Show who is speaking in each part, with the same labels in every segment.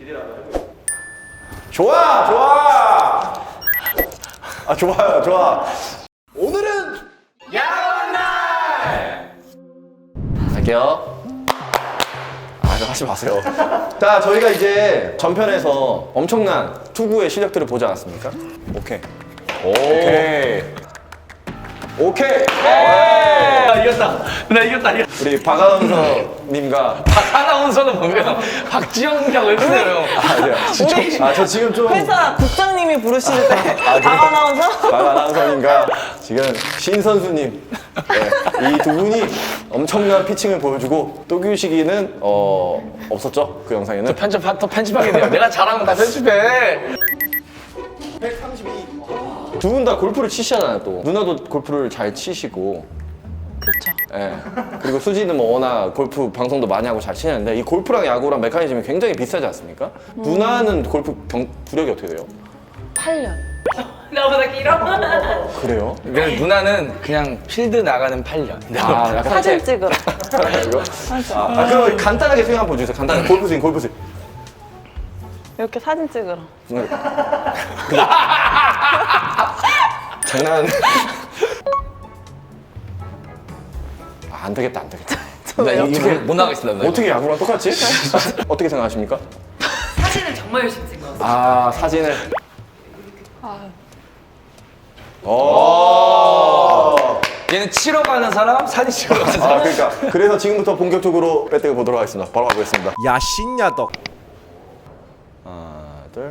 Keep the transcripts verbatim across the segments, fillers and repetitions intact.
Speaker 1: 좋아, 좋아. 아, 좋아요, 좋아. 오늘은 야간 날. 갈게요. 아, 이거 하지 마세요. 자, 저희가 이제 전편에서 엄청난 투구의 실력들을 보지 않았습니까? 오케이. 오케이. 오케이.
Speaker 2: 나 이겼다. 나 이겼다. 이겼다.
Speaker 1: 우리 박아나운서님과
Speaker 2: 박아나운서는 뭐예요? 박지영이가 왜 그래요?
Speaker 1: 아니요.
Speaker 3: 우리
Speaker 1: 아, 저 지금 좀
Speaker 3: 회사 국장님이 부르실 때
Speaker 1: 아, 그래요?
Speaker 3: 박아나운서?
Speaker 1: 박아나운서님과 지금 신 선수님 네, 이 두 분이 엄청난 피칭을 보여주고 또규식이는 어 없었죠 그 영상에는.
Speaker 2: 편집 더 편집하게 돼요. 내가 잘하면 다 편집해.
Speaker 1: 백삼십이. 두 분 다 골프를 치시잖아요 또. 누나도 골프를 잘 치시고.
Speaker 3: 그렇죠.
Speaker 1: 예. 그리고 수지는 뭐 워낙 골프 방송도 많이 하고 잘 치는데 이 골프랑 야구랑 메커니즘이 굉장히 비슷하지 않습니까?
Speaker 3: 음.
Speaker 1: 누나는 골프 경, 구력이 어떻게 돼요?
Speaker 3: 팔 년.
Speaker 4: 나보다 길어?
Speaker 1: 그래요?
Speaker 2: 그래서 누나는 그냥 필드 나가는 팔 년.
Speaker 1: 아, 약간
Speaker 3: 사진 찍으러.
Speaker 1: 이거?
Speaker 3: 사진.
Speaker 1: 아, 아, 그럼 간단하게 스윙 한번 보여주세요. 간단하게 골프 스윙, 골프 스윙.
Speaker 3: 이렇게 사진 찍으러.
Speaker 1: 장난. 아, 안 되겠다, 안 되겠다.
Speaker 2: 나 이거 못 나가겠습니다. 나
Speaker 1: 어떻게 야구랑 똑같지? 어떻게 생각하십니까?
Speaker 4: 사진은 정말 열심히 찍어.
Speaker 1: 아, 사진을.
Speaker 3: 아,
Speaker 1: 오.
Speaker 2: 얘는 치러 가는 사람, 사진 찍으러 가는 사람.
Speaker 1: 아, 그러니까 그래서 지금부터 본격적으로 배팅을 보도록 하겠습니다. 바로 가보겠습니다.
Speaker 5: 야신야덕.
Speaker 1: 하나, 둘.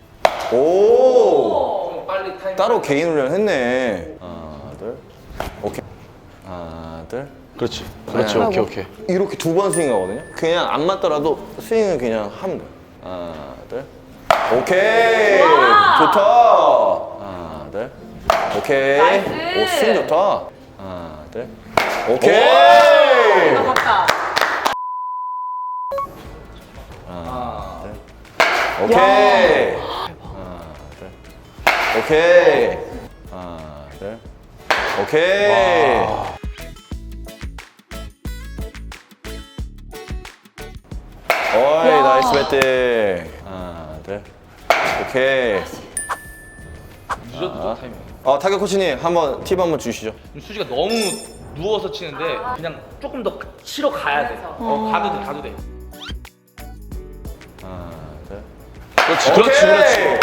Speaker 1: 오.
Speaker 2: 빨리 타임.
Speaker 1: 따로 개인 훈련 했네. 하나, 둘. 오케이. 하나, 둘.
Speaker 2: 그렇지.
Speaker 1: 그렇지,
Speaker 2: 오케이, 오케이.
Speaker 1: 이렇게 두 번 스윙 하거든요. 그냥 안 맞더라도 스윙을 그냥 하면 돼요. 하나, 둘. 오케이. 좋다. 하나, 둘. 오케이.
Speaker 4: 나이스.
Speaker 1: 오, 스윙 좋다. 하나, 둘. 오케이.
Speaker 4: 맞다.
Speaker 1: 하나, 둘. 오케이. 하나, 둘. 오케이. 하나, 둘. 오케이. 어이, 나이스 배팅. 하나, 둘. 오케이.
Speaker 2: 늦어도 타이밍.
Speaker 1: 어, 타격 코치님, 한번 팁 한번 주시죠.
Speaker 2: 수지가 너무 누워서 치는데 그냥 조금 더 치러 가야 돼. 어, 가도 돼, 가도 돼.
Speaker 1: 하나, 둘.
Speaker 2: 그렇지,
Speaker 1: 오케이.
Speaker 2: 그렇지, 그렇지.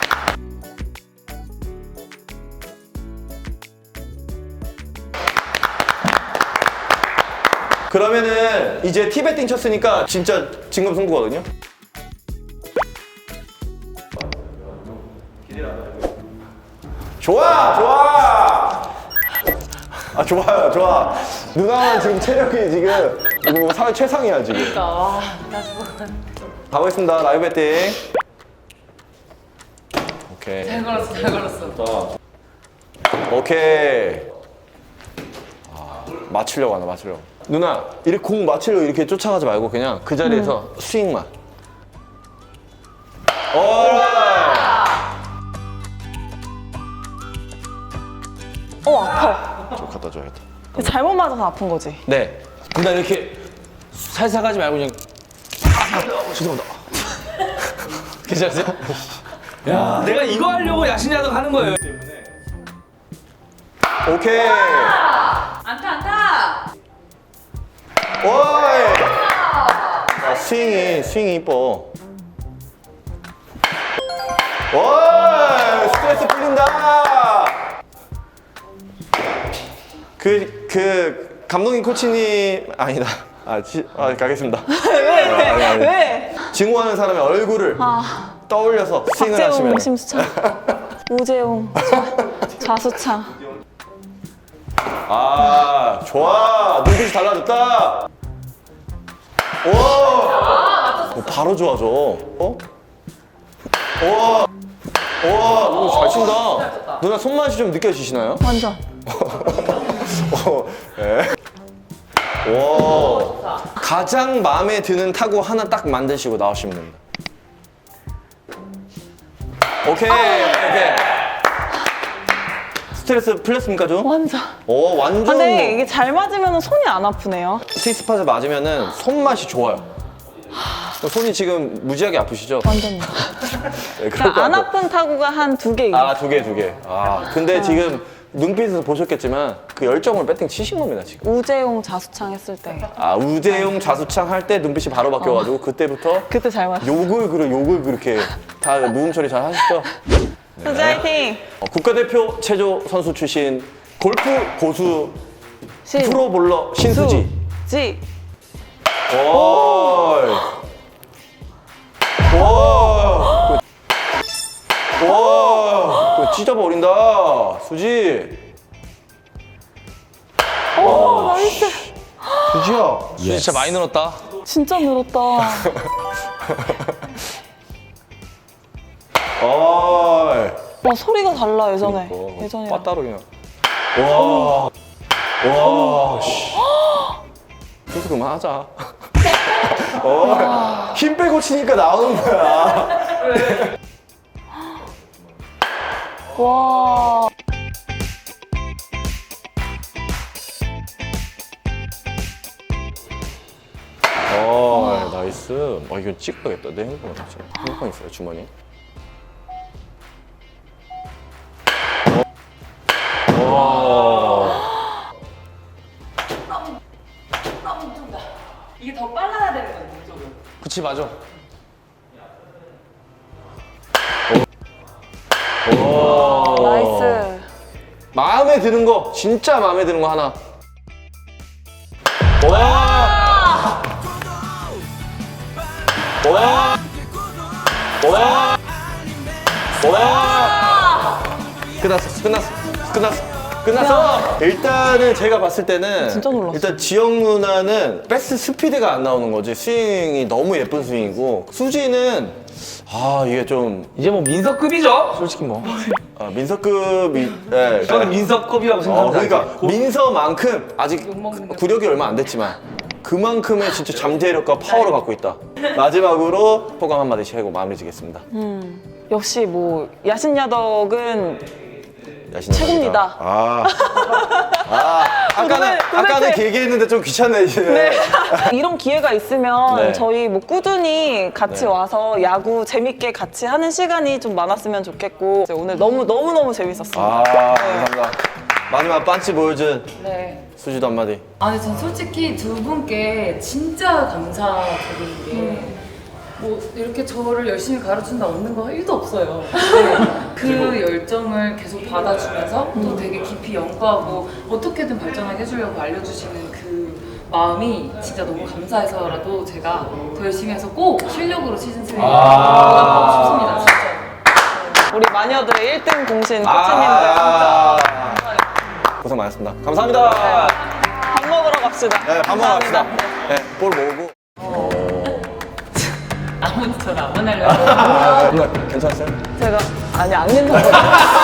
Speaker 1: 그러면은 이제 티베팅 쳤으니까 진짜 진검승부거든요. 좋아, 좋아. 아, 좋아요, 좋아. 누나는 지금 체력이 지금 이거 사회 최상이야 지금.
Speaker 4: 그러니까 와, 나 죽어.
Speaker 1: 가보겠습니다. 라이브 배팅. 오케이.
Speaker 4: 잘 걸었어, 잘 걸었어.
Speaker 1: 오케이. 아, 맞추려고 하나, 맞추려고. 누나, 이렇게 공 맞추려고 이렇게 쫓아가지 말고 그냥 그 자리에서 스윙만. 오라이.
Speaker 3: 어, 아파.
Speaker 1: 좀 갖다 줘야겠다.
Speaker 3: 잘못 맞아서 아픈 거지.
Speaker 1: 네.
Speaker 2: 근데 이렇게 살살 가지 말고 그냥
Speaker 1: 죄송합니다.
Speaker 2: 괜찮으세요? 야, 내가 이거 하려고 야신야덕 하는 거예요.
Speaker 1: 오케이.
Speaker 4: 안타, 안타.
Speaker 1: 오이. 아, 스윙이, 스윙이 이뻐. 오이. 스트레스 풀린다. 그, 그, 감독님, 코치님, 아니다. 아, 지, 아 가겠습니다.
Speaker 3: 왜?
Speaker 1: 아니, 아니.
Speaker 3: 왜?
Speaker 1: 증오하는 사람의 얼굴을
Speaker 3: 아,
Speaker 1: 떠올려서 스윙을
Speaker 3: 박재홍,
Speaker 1: 하시면.
Speaker 3: 심수창, 우재홍, 자, 좌수창.
Speaker 1: 아, 좋아. 눈빛이 달라졌다. 오. 오, 바로 좋아져. 어? 우와. 우와, 이거 잘 친다. 누나 손맛이 좀 느껴지시나요?
Speaker 3: 완전.
Speaker 1: 어, 예. 와. 가장 마음에 드는 타구 하나 딱 만드시고 나오시면 됩니다. 오케이, 오케이. 스트레스 풀렸습니까 좀?
Speaker 3: 완전.
Speaker 1: 오, 완전.
Speaker 3: 근데 이게 잘 맞으면 손이 안 아프네요.
Speaker 1: 스위스팟을 맞으면은 손맛이 좋아요. 손이 지금 무지하게 아프시죠?
Speaker 3: 완전요.
Speaker 1: 네, 그럴 것
Speaker 3: 그러니까 안
Speaker 1: 같아요.
Speaker 3: 아픈 타구가 한 두 개.
Speaker 1: 아, 두 개, 두 개. 아, 근데 지금 눈빛에서 보셨겠지만 그 열정을 배팅 치신 겁니다, 지금.
Speaker 3: 우재용 자수창 했을 때.
Speaker 1: 아, 우재용 자수창 할 때 눈빛이 바로 바뀌어가지고 그때부터
Speaker 3: 그때 잘 맞았어.
Speaker 1: 욕을 그래, 욕을 그렇게 다 무음 처리 잘 하시죠?
Speaker 3: 수지 화이팅!
Speaker 1: 어, 국가대표 체조 선수 출신 골프 고수
Speaker 3: 신.
Speaker 1: 프로볼러 신수지.
Speaker 3: 지.
Speaker 1: 오. 와. 와. 그 찢어버린다. 수지.
Speaker 3: 오, 나이스.
Speaker 1: 수지야. 수지 진짜 많이 늘었다.
Speaker 3: 진짜 늘었다.
Speaker 1: 어.
Speaker 3: 와, 소리가 달라, 예전에.
Speaker 1: 그러니까.
Speaker 3: 예전이랑.
Speaker 1: 빠따로 그냥. 와. 와. 씨. 그래서 그만하자. 어, 힘 빼고 치니까 나오는 거야.
Speaker 3: 와.
Speaker 1: 어, 나이스. 아, 이거 찍어야겠다. 내 핸드폰 어떻지? 핸드폰 있어요, 주머니. 와.
Speaker 4: 너무 좀 나. 이게 더 빨라야 되는 거야, 동쪽은.
Speaker 1: 그치, 맞아. 오.
Speaker 3: 나이스.
Speaker 1: 마음에 드는 거, 진짜 마음에 드는 거 하나. 와! 와! 와! 와! 끝났어, 끝났어, 끝났어, 끝났어! 일단은 제가 봤을 때는
Speaker 3: 진짜 놀랐어.
Speaker 1: 일단 지영 누나는 패스 스피드가 안 나오는 거지. 스윙이 너무 예쁜 스윙이고 수지는 아 이게 좀
Speaker 2: 이제 뭐 민서급이죠? 솔직히 뭐.
Speaker 1: 아, 민서급이 네,
Speaker 2: 저는 민서급이라고
Speaker 1: 어,
Speaker 2: 생각합니다.
Speaker 1: 그러니까 민서만큼 아직 구력이 얼마 안 됐지만 그만큼의 진짜 잠재력과 파워를 갖고 있다. 마지막으로 소감 한마디씩 하고 마무리 지겠습니다.
Speaker 3: 역시 뭐, 야신야덕은
Speaker 1: 야신
Speaker 3: 최고입니다.
Speaker 1: 아, 아 아까는
Speaker 3: 도대체-
Speaker 1: 아까는 그 얘기했는데 좀 귀찮네 이제.
Speaker 3: 네. 이런 기회가 있으면
Speaker 1: 네.
Speaker 3: 저희 뭐 꾸준히 같이
Speaker 1: 네.
Speaker 3: 와서 야구 재밌게 같이 하는 시간이 좀 많았으면 좋겠고 오늘 너무 너무 너무 재밌었습니다.
Speaker 1: 아 감사합니다. 마지막 반치 보여준
Speaker 4: 네.
Speaker 1: 수지도 한마디.
Speaker 4: 아니, 전 솔직히 두 분께 진짜 감사드리는 게 뭐 이렇게 저를 열심히 가르친다 얻는 거 일도 없어요. 근데 그 열정을 계속 받아주면서 또 되게 깊이 연구하고 어떻게든 발전하게 해주려고 알려주시는 그 마음이 진짜 너무 감사해서라도 제가 더 열심히 해서 꼭 실력으로 시즌 삼에 보답하고 싶습니다. 진짜.
Speaker 3: 우리 마녀들의 일 등 공신 코치님들
Speaker 1: 아, 고생 많았습니다. 감사합니다.
Speaker 3: 밥 먹으러 갑시다.
Speaker 1: 네, 밥 먹으러 갑시다.
Speaker 3: 감사합니다.
Speaker 1: 네, 볼 모으고.
Speaker 4: 아무도 저를 안 만나려고.
Speaker 1: 아, 누나 괜찮았어요?
Speaker 3: 제가 아니 안 괜찮거든요.